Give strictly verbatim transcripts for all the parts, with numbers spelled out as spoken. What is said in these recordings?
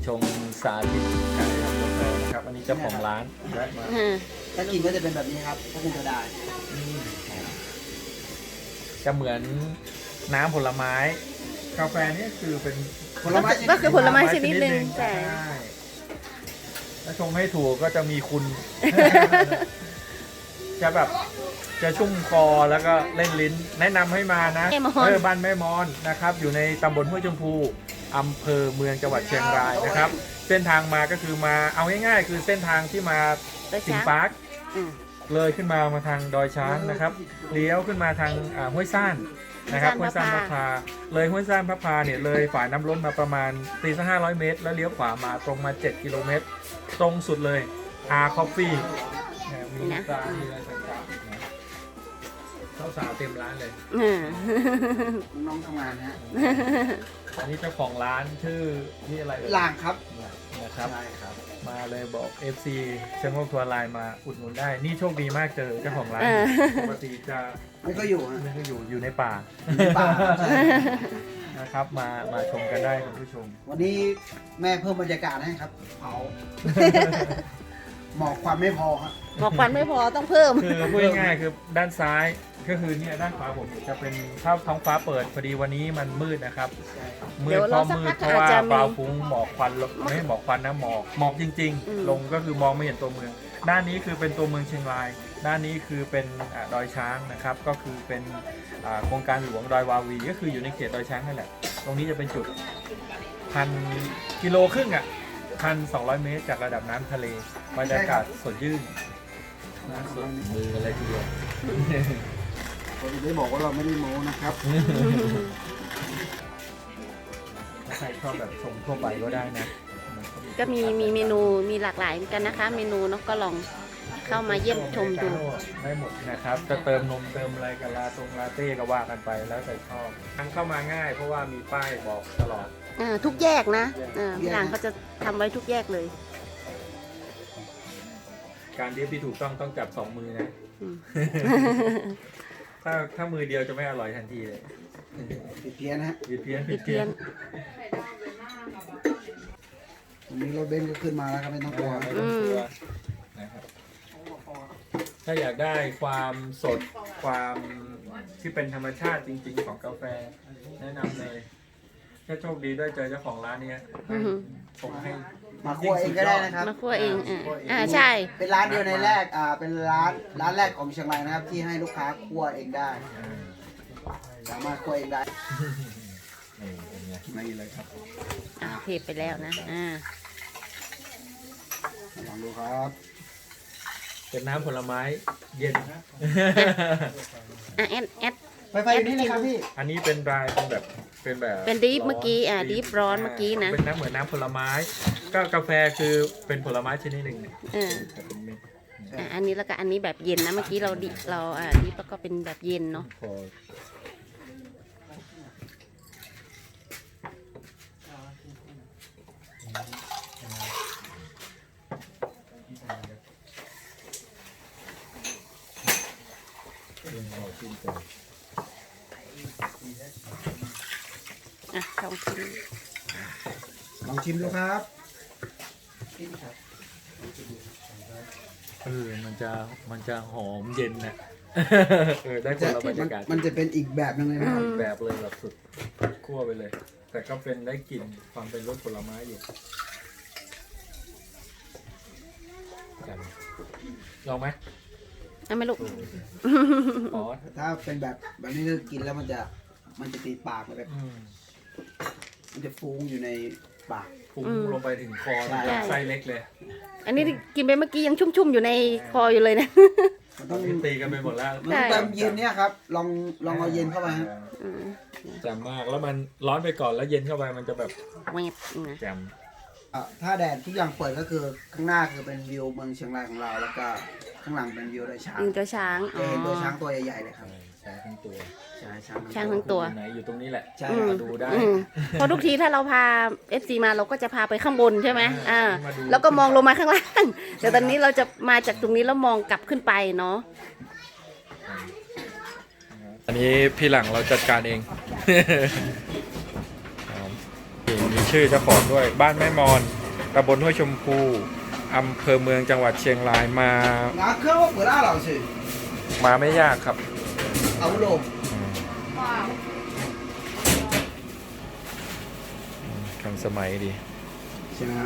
ชมสาธิตการทำกาแฟนะครับอันนี้เจ้าของร้านแวะมาถ้ากินก็จะเป็นแบบนี้ครับก็คงจะได้จะเหมือนน้ำผลไม้กาแฟนี่คือเป็นผลไม้ก็คือผลไม้ชนิดหนึ่งใช่แต่ถ้าชงให้ถูกก็จะมีคุณ จะแบบจะชุ่มคอแล้วก็เล่นลิ้นแนะนำให้มานะแม่มอนเออบ้านแม่มอนนะครับอยู่ในตำบลห้วยชมพูอำเภอเมืองจังหวัดเชียงรายนะครับ เส้นทางมาก็คือมาเอาง่ายๆ คือเส้นทางที่มาโดยสิงช้างห์ปาร์คอืมเลยขึ้นมามาทางดอยช้างนะครับเลี้ยวขึ้นมาทางอ่าห้วยซ่านนะครับห้วยซ่านพระพาเลยห้วยซ่านพระพาเนี่ยเลยฝ่ายน้ำล้นมาประมาณตีสักห้าร้อยเมตร แล้วเลี้ยวขวามาตรงมาเจ็ดกิโลเมตร ตรงสุดเลยอาคอฟฟี่มีตามีอะไรต่างๆนะสาวๆเต็มร้านเลยอืมน้องทำงานนะฮะอันนี้เจ้าของร้านชื่อที่อะไรเอ่ยล่างครับนะครับใช่ครับมาเลยบอก เอฟ ซี เชิงโลกทัวร์ไลน์มาอุดหนุนได้ นี่โชคดีมากเจอเจ้าของร้านเออปกติจะไม่ก็อยู่ฮะไม่ก็อยู่อยู่ในป่าอยู่ในป่าใช่นะครับมามาชมกันได้คุณผู้ชมวันนี้แม่เพิ่มบรรยากาศให้ครับเผาหมอกควันไม่พอครับบอกควันไม่พอต้องเพิ่มคือพูดง่ายๆคือด้านซ้ายก็คือเนี่ยด้านขวาผมจะเป็นถ้าท้องฟ้าเปิดพอดีวันนี้มันมืดนะครับมืเดี๋ดยวเพเราราะสักมืพัดกเพราะว่าอาจจะมีบาวฟุ้งหมอกควันลงไม่ใช่หมอกควันนะหมอกหมอกจริงอืมๆ ลงก็คือมองไม่เห็นตัวเมือง ด้านนี้คือเป็นตัวเมืองเชียงราย ด้านนี้คือเป็นอ่าดอยช้างนะครับก็คือเป็นอ่าโครงการหลวงดอยวาวีก็คืออยู่ในเขตดอยช้างนั่นแหละตรงนี้จะเป็นจุดพันกิโลครึ่งอ่ะพันสองร้อยเมตรจากระดับน้ำทะเลบรรยากาศสดชื่นนะสดมืออะไรทีเดียวผมจะได้บอกว่าเราไม่ได้โม้นะครับถ้าใครชอบแบบชมทั่วไปก็ได้นะก็มีมีเมนูมีหลากหลายเหมือนกันนะคะ เมนูเนาะก็ลองเข้ามาเยี่ยมชมดูได้หมดนะครับ จะเติมนมเติมอะไรกับลาตรงลาเต้ก็ว่ากันไปแล้วแต่ชอบทางเข้ามาง่ายเพราะว่ามีป้ายบอกตลอดเออทุกแยกนะเออพี่หลังเขาจะทำไว้ทุกแยกเลยการดริฟที่ถูกต้องต้องจับสองมือนะอืมถ้าถ้ามือเดียวจะไม่อร่อยทันทีเลยผิดเพี้ยนนะฮะผิดเพี้ยนผิดเพี้ยนวันนี้รถเบนซ์ก็ขึ้นมาแล้วครับไม่ต้องกลัวไม่ต้องกลัวนะครับถ้าอยากได้ความสดความที่เป็นธรรมชาติจริง ๆ ของกาแฟแนะนำเลยถ้าโชคดีได้เจอเจ้าของร้านเนี้ยอือหือผมให้มาคั่วเองก็ได้นะครับมาคั่วเองอ่าอ่าใช่เป็นร้านเดียวในแรกอ่าเป็นร้านร้านแรกของเชียงรายนะครับ ที่ให้ลูกค้าคั่วเองได้อ่าสามารถคั่วเองได้นี่เป็นไงนี่เลยครับอ่าเทไปแล้วนะอ่าลองดูครับเป็นน้ำผลไม้เย็นอ่ะแอดแอดไฟไฟอยู่นี่เลยครับพี่อันนี้เป็นรายเป็นแบบเป็นแบบเป็นดริฟเมื่อกี้อ่ะดริฟร้อนเมื่อกี้นะเป็นน้ำเหมือนน้ำผลไม้ ก็กาแฟคือเป็นผลไม้ชนิดหนึ่งเนี่ยเออแต่เป็นเม็ดอ่ะอันนี้แล้วก็อันนี้แบบเย็นนะเมื่อกี้เราดิเราอ่าดริฟแล้วก็เป็นแบบเย็นเนาะพอชิมก่อนอ่ะลองชิมลองชิมดูครับเออมันจะมันจะหอมเย็นนะ เออได้คจะนละบรรมัยาน กาศมันจะเป็นอีกแบบหนึงเลยนะครับแบบเลยแบบสุดคั่วไปเลย แต่ก็เป็นได้กลิ่นความเป็นรสผลไม้อยู่กันลองไหมเอาไหม่ลูกอ๋อถ้าเป็นแบบแบบนี้คือกินแล้วมันจะมันจะตีปากแบบอืมมันจะฟุ้งอยู่ในปากฟุ้งอืมลงไปถึงคอใช่ไส้เล็กเลยอันนี้กินไปเมื่อกี้ยังชุ่มๆอยู่ในคออยู่เลยนะมันตต้ออน งนี้ตีกันไปหมดแล้วมันต้องเติมเย็นเนี่ยครับ ลองลองเอาเย็นเข้าไปฮะอืมแจ่มมากแล้วมันร้อนไปก่อนแล้วเย็นเข้าไปมันจะแบบแวบนะแจ่มอ่ะถ้าแดดทุกอย่างเปิดก็คือข้างหน้าคือเป็นวิวเมืองเชียงรายของเรา แล้วก็ข้างหลังเป็นวิวดอยช้างยิงตัวช้างอ๋จะอเห็นตัวช้างตัวใหญ่ๆเลยครับใช้ทั้งตัวใช่ช้างช้างทั้งตัวอยู่ไหนอยู่ตรงนี้แหละใช่อืมมาดูได้อืมเพราะทุกทีถ้าเราพา เอฟ ซี มาเราก็จะพาไปข้างบนใช่ไหมอ่าอ่ามาดูแล้วก็มองลงมาข้างล่าง แต่ตอนนี้เราจะมาจากตรงนี้แล้วมองกลับขึ้นไปเนาะอันนี้พี่หลังเราจัดการเอง หอมมีชื่อเจ้าของด้วยบ้านแม่มอนตำบลห้วยชมพูอำเภอเมืองจังหวัดเชียงรายมา拿科我不大老师， มาไม่ยากครับ阿不喽， ทันสมัยดี行啊。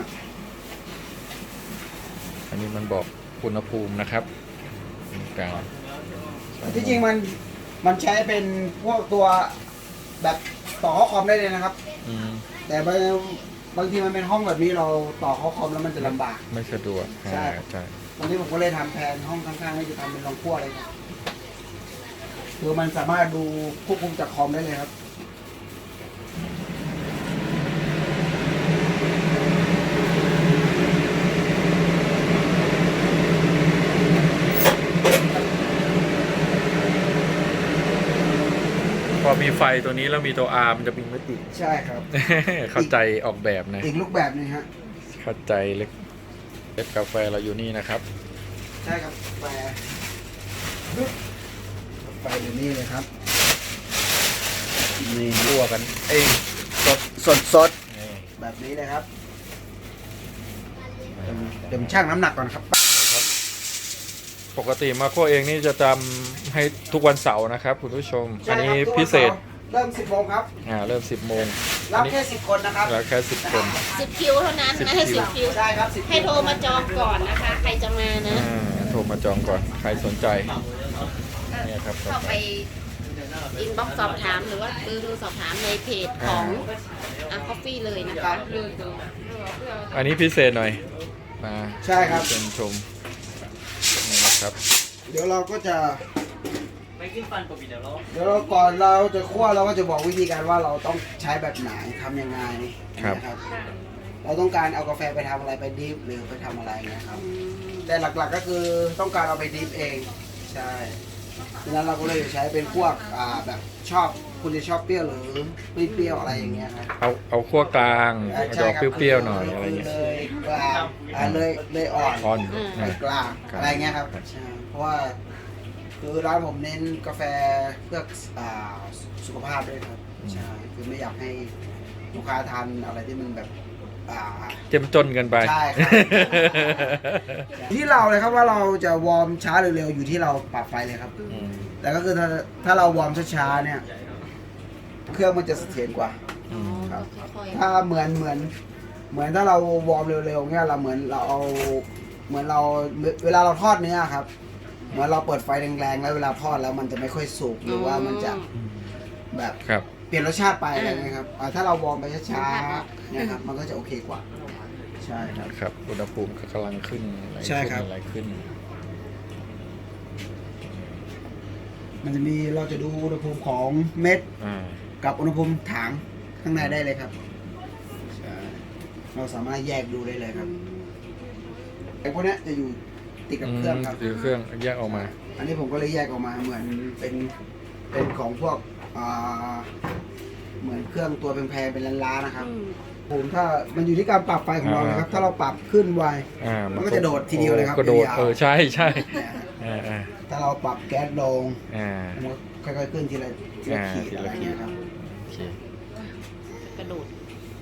อันนี้มันบอกอุณหภูมินะครับกลางที่จริงมันมันใช้เป็นพวกตัวแบบต่อข้อคอมได้เลยนะครับอืมแต่บางบางทีมันเป็นห้องแบบนี้เราต่อข้อคอมแล้วมันจะลำบากไม่สะดวกใช่อ่าใช่วันนี้ผมก็เลยทำแผนห้องข้างๆให้จะทำเป็นรองครัวเลยครับคือมันสามารถดูควบคุมจากคอมได้เลยครับพอมีไฟตัวนี้แล้วมีตัว R มันจะบินไม่ติดใช่ครับเข้าใจออกแบบนะอีกรูปแบบหนึงฮะเข้าใจเล็กเล็กกาแฟเราอยู่นี่นะครับใช่ครับแฟไฟเดี๋ยวนี้เลยครับนี่รั่วกันเองสดสดสดนี่แบบนี้เลยครับเดี๋ยวเดี๋ยวผมชั่งน้ำหนักก่อนครับปกติมาโคเองนี่จะทำให้ทุกวันเสาร์นะครับคุณผู้ชม อันนี้พิเศษเริ่มสิบโมงครับอ่าเริ่มสิบโมงรัอับนนี้แค่สิบคนนะครับแล้วแค่สิบคนสิบคิวเท่านั้นสิบนะให้คิวสิบคิวได้ครับสิบให้โทรมาจองก่อนนะคะ ใครจะมานะอ่าโทรมาจองก่อนใครสนใจเนี่ยครับเข้าไปอินบ็อกซ์สอบถามหรือว่าเบอร์โทรสอบถามในเพจของอ่ะคอฟฟี่เลยนะคะอันนี้พิเศษหน่อยมาใช่ครับเชิญชมนี่นะครับเดี๋ยวเราก็จะเดี๋ยวเราก่อนเราจะคั่วเราก็จะบอกวิธีการว่าเราต้องใช้แบบไหนทำยังไงครับนะครับ เราต้องการเอากาแฟไปทำอะไรไปดริฟหรือไปทำอะไรนะครับ แต่หลักๆก็คือต้องการเอาไปดริฟเองใช่ดังนั้นเราก็เลยใช้เป็นพวกอ่าแบบชอบคุณจะชอบเปรี้ยวหรือไม่เปรี้ยวอะไรอย่างเงี้ยครับเอาเอาขั้วกลางอ่าเอาใช่ดอกครับเปรี้ยวๆหน่อยอะไรเงี้ยเลยกลางอ่าเลยเลยอ่อนอ่อนเลยกลางครับอะไรเงี้ยครับใช่เพราะว่าคือร้านผมเน้นกาแฟเพื่ออ่าสุขภาพด้วยครับใช่คือไม่อยากให้ลูกค้าทานอะไรที่มันแบบอ่าเจ้มจนกันไปใช่ครับ ที่เราเลยครับว่าเราจะวอร์มช้าหรือเร็วอยู่ที่เราปรับไฟเลยครับอืมแต่ก็คือถ้าถ้าเราวอร์มช้าๆเนี่ย เครื่องมันจะเสถียรกว่าอืมครับค่อยถ้าเหมือนเหมือน เหมือนถ้าเราวอร์มเร็วๆเนี่ยเราเหมือนเราเอาเหมือนเราเวลาเราทอดเนื้อครับ เหมือนเราเปิดไฟแรงๆแล้วเวลาทอดแล้วมันจะไม่ค่อยสุกๆหรือว่ามันจะอืมแบบครับเปลี่ยนรสชาติไปอะไรเงี้ยครับอ่าถ้าเราวอร์มไปช้าๆเนี่ยครับมันก็จะโอเคกว่า ใช่ครับครับอุณหภูมิก็กำลังขึ้นไหลใช่ขึ้นครับไหลขึ้นมันจะมีเราจะดูอุณหภูมิของเม็ดอ่ากับอุณหภูมิถังข้างในได้เลยครับใช่เราสามารถแยกดูได้เลยครับไอ้พวกเนี้ยจะอยู่ติดกับเครื่องครับหรือเครื่องแยกออกมาอันนี้ผมก็เลยแยกออกมาเหมือนเป็นเป็นของพวกอ่าเหมือนเครื่องตัวแพงๆเป็นล้านๆนะครับอืมผมถ้ามันอยู่ที่การปรับไฟของเราเลยครับอ่าถ้าเราปรับขึ้นไวอ่ามัมันก็จะโดดทีเดียวเลยครับก็โดดยาวๆเออใช่ใช่เนี่ยฮะอ่าอ่าถ้าเราปรับแก๊สลงอ่ามันก็ค่อยๆขึ้นทีละทีละอ่าขีดทีละอะไรเงี้ยครับโอเคกระโดด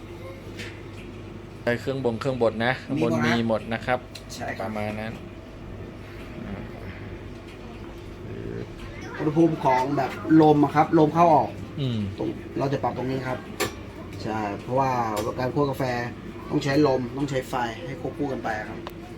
ใช้เครื่องบงเครื่องบดนะข้างบนมีหมดนะครับใช่คปรับระมาณนั้นอ่าอุณหภูมิของแบบลมอะครับลมเข้าออกอืมตรงเราจะปรับตรงนี้ครับใช่เพราะว่าการคั่วกาแฟต้องใช้ลมต้องใช้ไฟให้ควบคู่กันไปครับ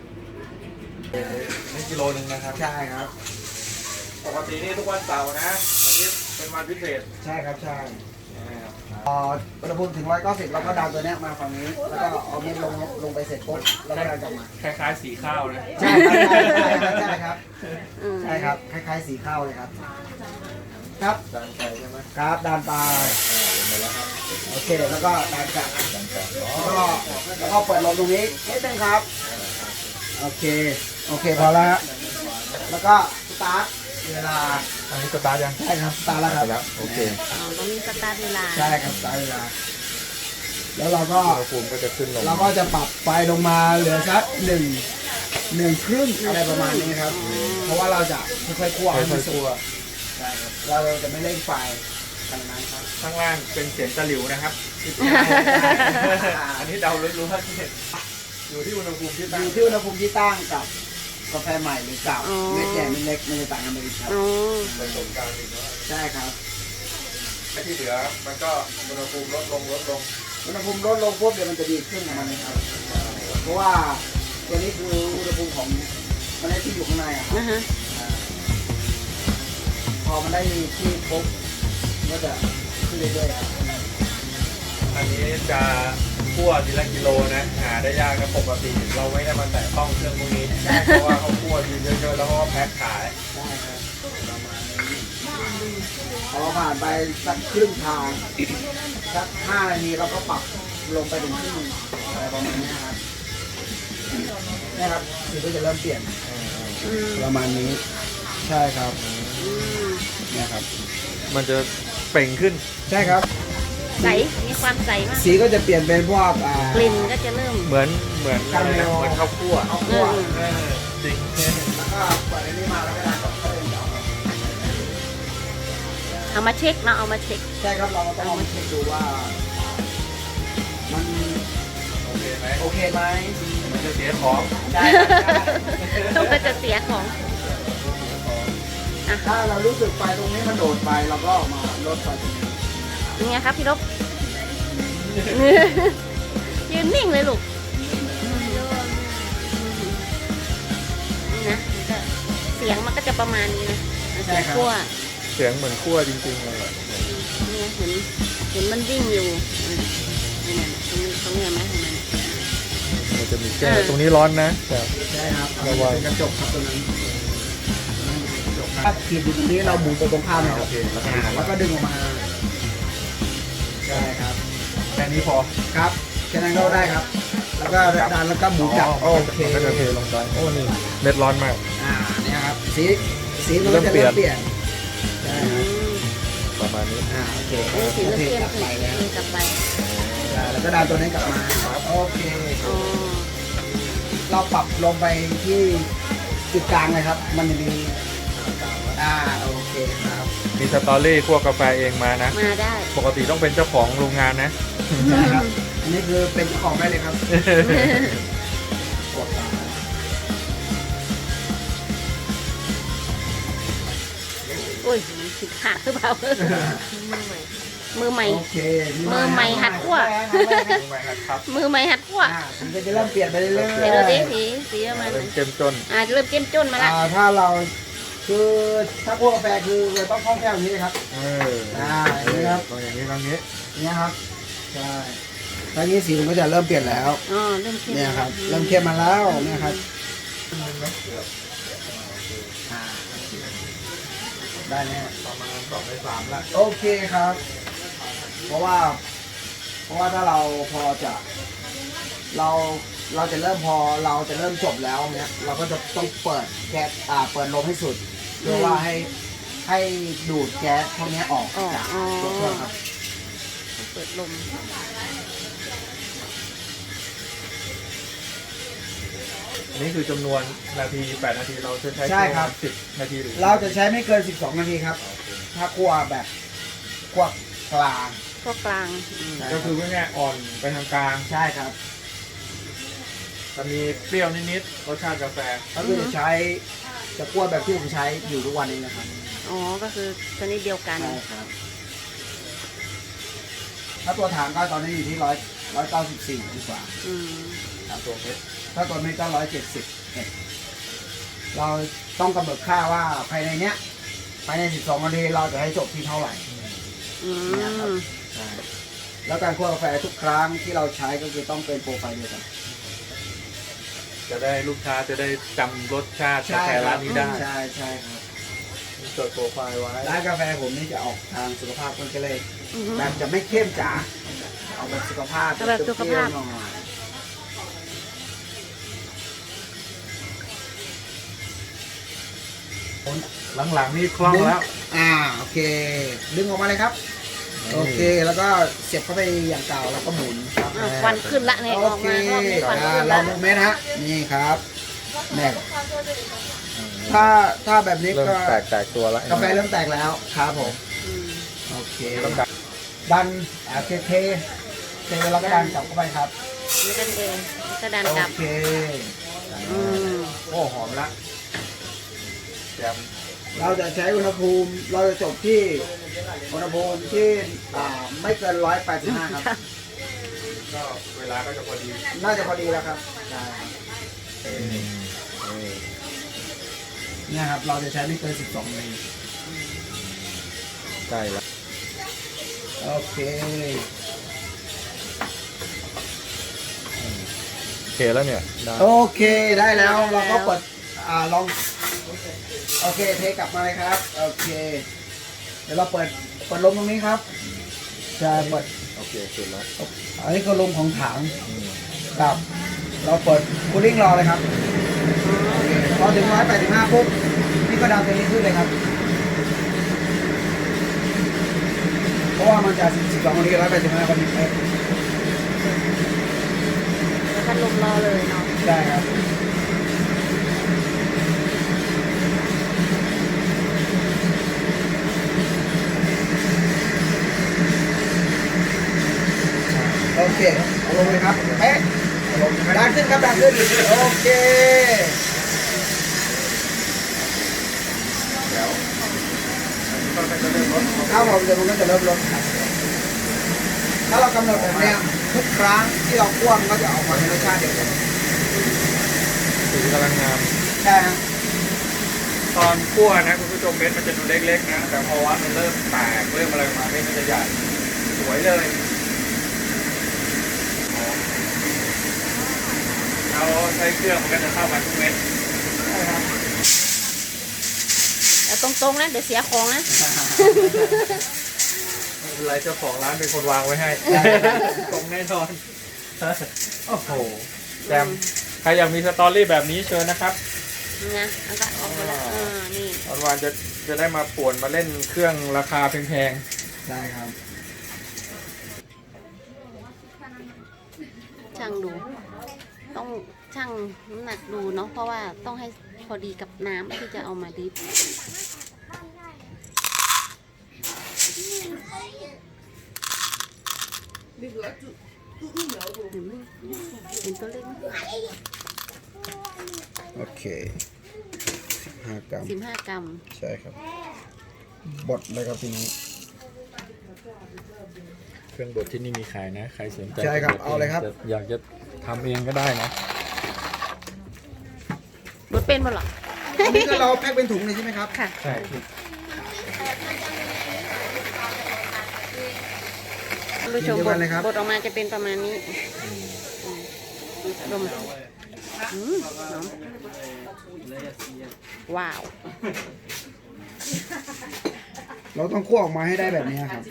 นี่กิโลนึงนะครับใช่ครับปกตินี่ทุกวันเสาร์นะวันนี้เป็นวันพิเศษใช่ครับใช่พออุณหภูมิถึงร้อยเก้าสิบเราก็ดันตัวเนี้ยมาฝั่งนี้แล้วก็เอาเม็ดลงลงไปเสร็จปุ๊บแล้วก็ดันกลับมาคล้ายๆสีข้าวนะใช่ครับใช่ครับอืมใช่ครับคล้ายๆสีข้าวเลยครับ ครับดันไปใช่ไหมครับดันไปเห็นแล้วครับโอเคแล้วก็ดันกลับดันไปแล้วก็แล้วก็เปิดลมตรงนี้นิดนึงครับ โอเค โอเคพอแล้วฮะแล้วก็สตาร์ทเวลาอันนี้สตาร์ทยังใช่ครับสตาร์ทแล้วครับแล้ว โอเคอ๋อต้องมีสตาร์ทเวลาใช่ครับสตาร์ทเวลา แล้วเราก็อุณหภูมิก็จะขึ้นลงเราก็จะปรับไฟลงมาเหลือสักหนึ่งหนึ่งครึ่งอะไรประมาณนี้ครับ เพราะว่าเราจะค่อยๆคั่วให้มันสุกใช่ครับเราจะไม่เร่งไฟขนาดนั้นครับข้างล่างเป็นเสียงตะหลิวนะครับอันนี้เดารู้ๆว่าที่อยู่ที่อุณหภูมิที่อตั้งยู่ที่อุณหภูมิที่ตั้งกับกาแฟใหม่หรือเก่าเม็ดใหญ่เม็ดเล็กมันจะต่างกันไปอีกครับอ๋อเป็นตรงกลางอีกแล้วใช่ครับไอ้ที่เหลือมันก็อุณหภูมิลดลงลดลงอุณหภูมิลดลงปุ๊บเดี๋ยวมันจะดีขึ้นของมันเลยครับเพราะว่าตัวนี้คืออุณหภูมิของเมล็ดที่อยู่ข้างในอะครับนะฮะอ่าพอมันได้ที่ปุ๊บก็จะขึ้นเรื่อยๆครับอันนี้จะคั่วทีละกิโลนะหาได้ยากนะปกติเราไม่ได้มาแตะต้องเครื่องพวกนี้เพราะว่าเขาคั่วทีเยอะๆแล้วเขาก็แพ็คขายได้ครับประมาณนี้พอผ่านไปสักครึ่งทางสักห้านาทีเราก็ปรับลงไปถึงครึ่งอะไรประมาณนี้ครับนี่ครับสีก็จะเริ่มเปลี่ยนอืมประมาณนี้ใช่ครับอืมเนี่ยครับมันจะเปล่งขึ้นใช่ครับใสมีความใสมากสีก็จะเปลี่ยนเป็นพวกอ่ากลิ่นก็จะเริ่มเหมือนเหมือนอะไรนะเหมือนข้าวคั่วข้าวคั่วเออจริงแล้วก็เปิดอันนี้มาแล้วก็ดันกับข้าวเหนียวเอามาเช็คเนาะเอามาเช็คใช่ครับเราต้องลองเช็คดูว่า มันโอเคไหมโอเคไหมมันจะเสียของได้ครับได้ก็จะเสียของอ่ะถ้าเรารู้สึกไฟตรงนี้มันโดดไปเราก็มาลดไฟตรงนี้ยังไงครับพี่ลบ ยืนนิ่งเลยลูกนี่นะมันก็เสียงมันก็จะประมาณนี้นะเสียงคั่วเสียงเหมือนคั่วจริงๆเลยเนี่ยเห็นเห็นมันวิ่งอยู่นี่นะตรงนี้ตรงนี้เห็นไหมเห็นไหมมันจะมีแก้วตรงนี้ร้อนนะแต่ใช่ครับระวังเป็นกระจกครับตรงนั้นถ้าขีดอยู่ตรงนี้เราหมุนไปตรงข้ามนะคโอรับเคแล้วอ่าแล้วก็ดึงออกมาใช่ครับแค่นี้พอครับแค่นั้นก็ได้ครับ แล้วก็ดันแล้วก็หมุนจับโอเคมันก็จะเทลงไปโอ้นี่เม็ดร้อนมากอ่าเนี่ยครับสีสีมันก็จะเริ่มเปลี่ยนใช่อืครับมประมาณนี้อ่าโอเคเออสีเริ่มเปลี่ยนกลับไปแล้วกลับไปอ่าแล้วก็ดันตัวนี้กลับมาโอเคอ๋อเราปรับลงไปที่จุดกลางเลยครับ มันจะมีอ่าโอเคครับมีสตอรี่คั่วกาแฟเองมานะมาได้ปกติต้องเป็นเจ้าของโรงงานนะใช่ครับอันนี้คือเป็นเจ้าของได้เลยครับกดตามโอ้ยผิดขาดหรือเปล่า มือใหม่โอเคมือใหม่หัดคั่วรู้ไหมครับมือใหม่หัดคั่วอ่ามันก็จะเริ่มเปลี่ยนไปเรื่อยๆเดี๋ยวเราได้สีสีประมาณไหนเริ่มเจ้มจนอ่าเริ่มเจ้มจ้นมาละอ่าถ้าเราคือถ้าคั่วกาแฟคือเราต้องคล่องแคล่วอย่างนี้ครับเอออ่าอย่างนี้ครับต้องอย่างนี้ต้องอย่างนี้อย่างนี้ครับใช่ตอนนี้สีมันก็จะเริ่มเปลี่ยนแล้วอ๋อเริ่มเข้มเนี่ยครับเริ่มเข้มมาแล้วเนี่ยครับอ่าได้แน่ประมาณสองในสามละโอเคครับ เพราะว่า เพราะว่าถ้าเราพอจะ เราเราจะเริ่มพอเราจะเริ่มจบแล้วเนี่ยเราก็จะต้องเปิดแก๊สอ่าเปิดลมให้สุดเพื่อว่าให้ให้ดูดแก๊สพวกนี้ออกอ๋อจากอ๋อตัวเครื่องครับเปิดลมอันนี้คือจำนวนนาทีแปดนาทีเราจะใช้ใช่ครับสิบนาทีหรือเราจะใช้ไม่เกินสิบสองนาทีครับ ถ้าคั่วแบบคั่วกลางพวกกลางอืมก็คือง่ายๆอ่อนไปทางกลางใช่ครับจะมีเปรี้ยวนิดๆรสชาติกาแฟก็คือจะใช้จะคั่วแบบที่ผมใช้อยู่ทุกวันนี้นะครับอ๋อก็คือชนิดเดียวกันใช่ครับ ถ้าตัวถังก็ตอนนี้อยู่ที่ร้อยร้อยเก้าสิบสี่ดีกว่าอืมตามตัวเม็ดถ้าตัวนี้ก็ร้อยเจ็ดสิบเอ็ดเราต้องกำหนดค่าว่าภายในเนี้ยภายในสิบสองนาทีเราจะให้จบที่เท่าไหร่อืมใช่แล้วการคั่วกาแฟทุกครั้งที่เราใช้ก็คือต้องเป็นโปรไฟล์เดียวกันจะได้ลูกค้าจะได้จำรสชาติกาแฟร้านนี้ได้ใช่ใช่ครับจดโปรไฟล์ไว้ร้านกาแฟผมนี่จะออกทางสุขภาพคนก็เลยอืมแบบจะไม่เข้มจ๋าเอาแบบสุขภาพเอาแบบสุขภาพเปรี้ยวๆหน่อยหลังๆนี่คล่องแล้วอ่าโอเค ดึงออกมาเลยครับ โอเคแล้วก็เสียบเข้าไปอย่างเก่าแล้วก็หมุนครับอ่ะควันขึ้นละเนี่ยโอออกเคมารอบนี้ควันอ่าขึ้นลอละงดูไหมนะฮะนี่ครับแน่ถ้าถ้าแบบนี้เริ่มก็แตกแตกตัวแล้วกาแฟเริ่มแตกแล้วครับผมอืมโอเคต้องดันดันอ่าเทเทเทแล้วก็ดันกลับเข้าไปครับแล้วก็เดินแล้วก็ดันโอกลับเคอืมโอ้หอมละแจ่มเราจะใช้อุณหภูมิเราจะจบที่อุณหภูมิที่อ่าไม่เกินร้อยแปดสิบห้าครับก็เวลาก็จะพอดีน่าจะพอดีแล้วครับได้ครับเนี่ยครับเราจะใช้ไม่เกินสิบสองนาทีใช่แล้วโอเคโอเคแล้วเนี่ยได้โอเคได้แล้วเราก็เปิดอ่าลองโอเคเทกลับมาเลยครับโอเค เดี๋ยวเราเปิดเปิดลมตรงนี้ครับจะเปิดโอเคเสร็จแล้วอันนี้คือลมของถังครับเราเปิดคูลิ่งรอเลยครับโอเคพอถึงร้อยแปดสิบห้าปุ๊บพี่ก็ดันตัวนี้ขึ้นเลยครับเพราะว่ามันจะสิบสองนาทีร้อยแปดสิบห้าพอดีเป๊ะแล้วก็ลมรอเลยเนาะได้ครับโอเคเอาลงเลยครับเป๊ะดันขึ้นครับดันขึ้นโอเคถ้าผมจะมันก็จะเริ่มลดครับถ้าเรากำหนดแบบเนี้ยทุกครั้งที่เราคั่วมันก็จะออกมาในรสชาติเดียวกันสีกำลังงามใช่ครับตอนคั่วนะคุณผู้ชมเม็ดมันจะดูเล็กๆนะแต่พอว่ามันเริ่มแตกเริ่มอะไรมาเม็ดมันจะใหญ่สวยเลยเราใช้เครื่องมันก็จะเข้ามาทุกเม็ดแต่ตรงๆนะเดี๋ยวเสียของนะไม่เป็นไรเจ้าของร้านเป็นคนวางไว้ให้ ตรงแน่นอนโอ้โหแจมใครอยากมีสตอรี่แบบนี้เชิญนะครับนะแล้วก็ออกมาแล้วเออนี่วันวานจะจะได้มาป่วนมาเล่นเครื่องราคาแพงได้ครับช่างดู ต้องช่างน้ำหนักดูเนาะเพราะว่าต้องให้พอดีกับน้ำที่จะเอามาดิบเป็นตัวเล็กโอเคสิบห้ากรัมสิบห้ากรัมใช่ครับบดเลยครับทีนี้ๆเครื่องบดที่นี่มีขายนะ ใครสนใจใช่ครับจะบดเอาเลยครับจะอยากจะทำเองก็ได้นะบดเป็นบ่หรออันนี้ก็เราแพ็คเป็นถุงเลยใช่ไหมครับค่ะใช่ท่านผู้ชมเดียวบกัดนเลยครับบดออกมาจะเป็นประมาณนี้ดมอืมหอมว้าวเราต้องคั่วออกมาให้ได้แบบนี้ครับ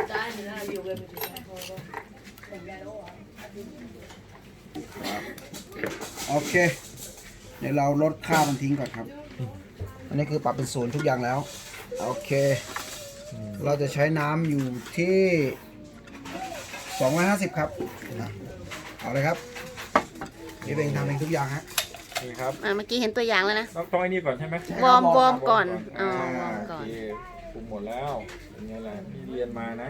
โอเค เดี๋ยวเราลดค่ามันทิ้งก่อนครับ อันนี้คือปรับเป็นศูนย์ทุกอย่างแล้ว โอเค เราจะใช้น้ำอยู่ที่สองร้อยห้าสิบครับอ่ะเอาเลยครับนี่เป็นทำเองทุกอย่างฮะนี่ครับอ่าเมื่อกี้เห็นตัวอย่างแล้วนะต้องต้องไอ้นี่ก่อนใช่ไหมวอร์มวอร์มก่อนอ่าอ๋อวอร์มก่อนโอเคปรุงหมดแล้วเป็นไงล่ะนี่เรียนมานะ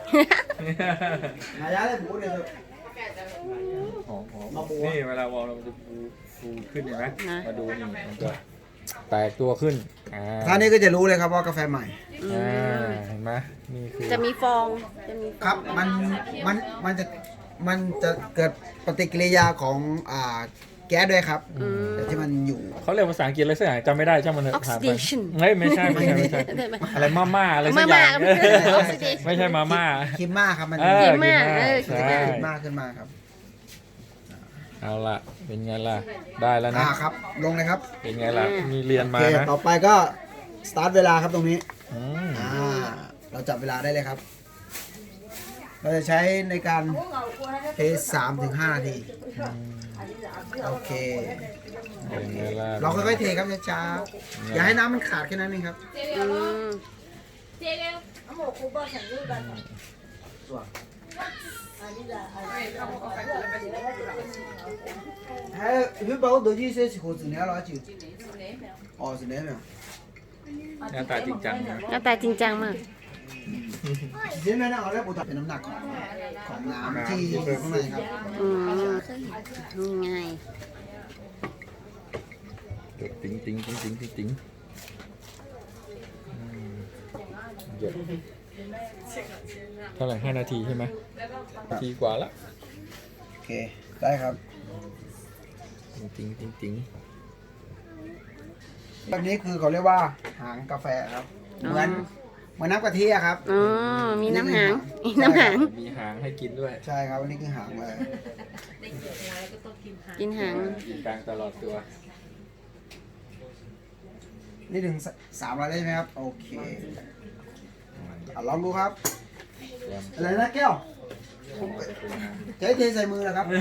หายาเลยหมูเดี๋ยวหอมหอมมาปูนี่เวลาวอลมันจะฟูฟูขึ้นเห็นไหมนะมาดูนี่มันจะแตกตัวขึ้นอ่าท่านนี้ก็จะรู้เลยครับว่ากาแฟใหม่อ่าเห็นไหมนี่คือจะมีฟอง จะมีฟองครับ มัน มัน มันจะ มันจะเกิดปฏิกิริยาของอ่าแก๊สด้วยครับอืมแต่ที่มันอยู่เขาเรียกภาษาอังกฤษอะไรสักอย่างจำไม่ได้ช่างมันเถอะผ่านไป Oxidation เฮ้ยไม่ใช่ไม่ใช่ไม่ใช่ได้ไหมอะไรมาม่าอะไรสัมากอม่าย่างก็ไม่ใช่ Oxidation ไม่ใช่มาม่าคิมมาครับ มันเออคิมม่าคิเออใช่คิมมาขึ้นมาครับเอาล่ะเป็นไงล่ะได้แล้วนะอ่าครับ ลงเลยครับเป็นไงล่ะมีเรียนโอมาเคนะต่อไปก็สตาร์ทเวลาครับตรงนี้อืมอ่า เราจับเวลาได้เลยครับ เราจะใช้ในการเทสามถึงห้านาที โอเคเป็นไงล่ะเราค่อยๆเทครับช้าๆอย่าให้น้ำมันขาดแค่นั้นเองครับอืม还会把我都去些火子年了就，哦是那样。 หน้าตาจริงจังนะหน้าตาจริงจังมากอเช่นนั้นเราเรียกอุตเป็นน้ำหนักของของน้ำที่อยู่ข้างในครับอืมนี่ไงเดี๋ยวติ๊งติ๊งติ๊งติ๊งติ๊งติ๊งอืมเยอะเท่าไหร่ห้านาทีใช่ไหมนาทีกว่าละโอเคได้ครับติ๊งติ๊งติ๊งติ๊งแบบนี้คือเขาเรียกว่าหางกาแฟครับเหมือนเหมือนน้ำกะทิอะครับอ๋อ มีน้ำหางมีน้ำหางมีหางให้กินด้วยใช่ครับอันนี้คือหางเลยกินหางกินกลางตลอดตัวนี่ถึงสามร้อยได้ไหมครับโอเคอ่ะลองดูครับอะไรนะแก้วใช้เทใส่มือนะครับ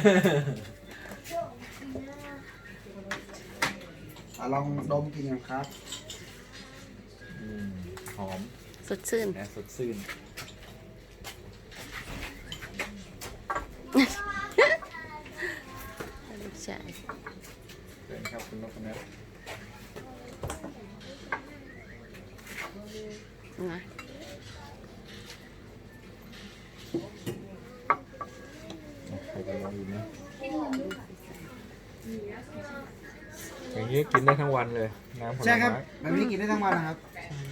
อ่ะลองดมกินกันครับอืมหอมสดชื่นนะสดชื่นใช่เชิญครับคุณนพนัทนะใครจะลองดูนะอย่างนี้กินได้ทั้งวันเลยน้ำผลใช่ครับไม้แบบนี้กินได้ทั้งวันนะครับ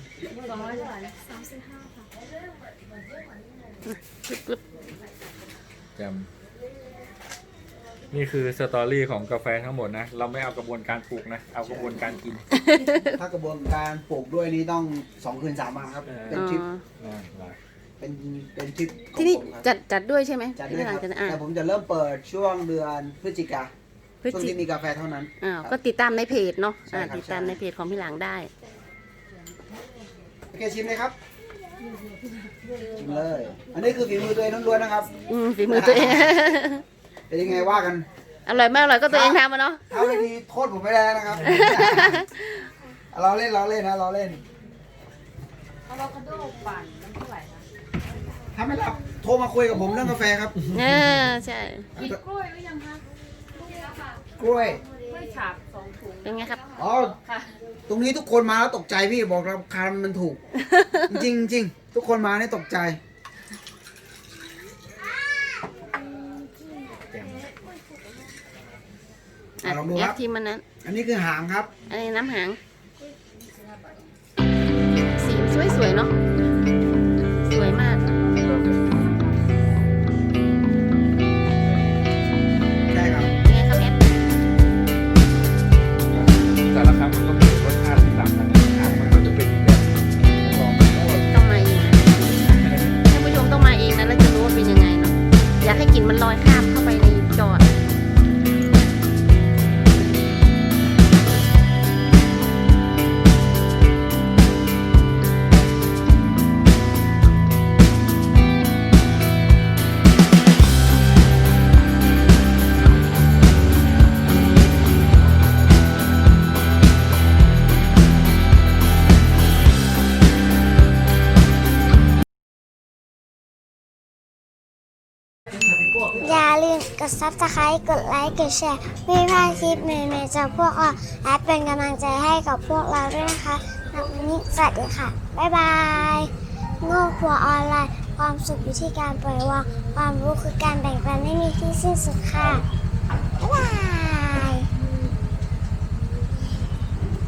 แจมนี่คือสตอรี่ของกาแฟทั้งหมดนะ เราไม่เอากระบวนการปลูกนะ เอากระบวนการกินถ้ากระบวนการปลูกด้วยนี่ต้องสองคืนสามวันครับเออเป็นทริปนั่นแหละเป็นเป็นทริปของที่นี่ผมครับจัดจัดด้วยใช่ไหมจัดด้ที่วยหคลัรังบจากนั้นอ่ะแต่ผมจะเริ่มเปิดช่วงเดือนพฤศจิกาพฤศช่วงจิที่มีกาแฟเท่านั้นอ้าวก็ติดตามในเพจเนาะใช่อ่าครับติดตามใช่ในเพจของพี่หลังได้โอเคชิมเลยครับชิมเลย อันนี้คือฝีมือตัวเองล้วนๆนะครับอืมฝีมือตัวเองเป็นยังไงว่ากันอร่อยมากอร่อยก็ตัวเองทำมาเนาะถ้าไม่ดีโทษผมไม่ได้แล้วนะครับ เราเล่นเราเล่นนะเราเล่นอะโวคาโดปั่นมันเท่าไหร่คะถ้าไม่รับโทรมาคุยกับผมเรื่องกาแฟครับเออใช่กินกล้วยหรือยังคะกล้วยกล้วยฉาบสองถุงเป็นไงครับอ๋อค่ะตรงนี้ทุกคนมาแล้วตกใจพี่บอกราคามันถูก จริงๆจริงทุกคนมาเนี่ยตกใจแจมอ่ะลองดูแอครัปบทีมมันนั้นอันนี้คือหางครับอันนี้น้ำหาง สีสวยๆเนาะ สวยมากใช่ครับเป็นไงครับแอปแต่ละครั้งมันก็มีรสชาติที่ต่างกันนะหางมันก็จะเป็นอีกแบบลองดูว่าต้องมาเองนะท่านผู้ชมต้องมาเองนะแล้วจะรู้ว่าเป็นยังไงเนาะ อยากให้กลิ่นมันลอยข้ามเข้าไปในจออย่าลืมกด ซับสไครบ์ กดไลค์ กดแชร์ไม่พลาดคลิปใหม่ๆจากพวกเราและเป็นกำลังใจให้กับพวกเราด้วยนะคะสำหรับวันนี้สวัสดีค่ะ บ๊ายบาย โง่ครัวออนไลน์ ความสุขอยู่ที่การปล่อยวาง ความรู้คือการแบ่งปันไม่มีที่สิ้นสุดค่ะ บ๊ายบาย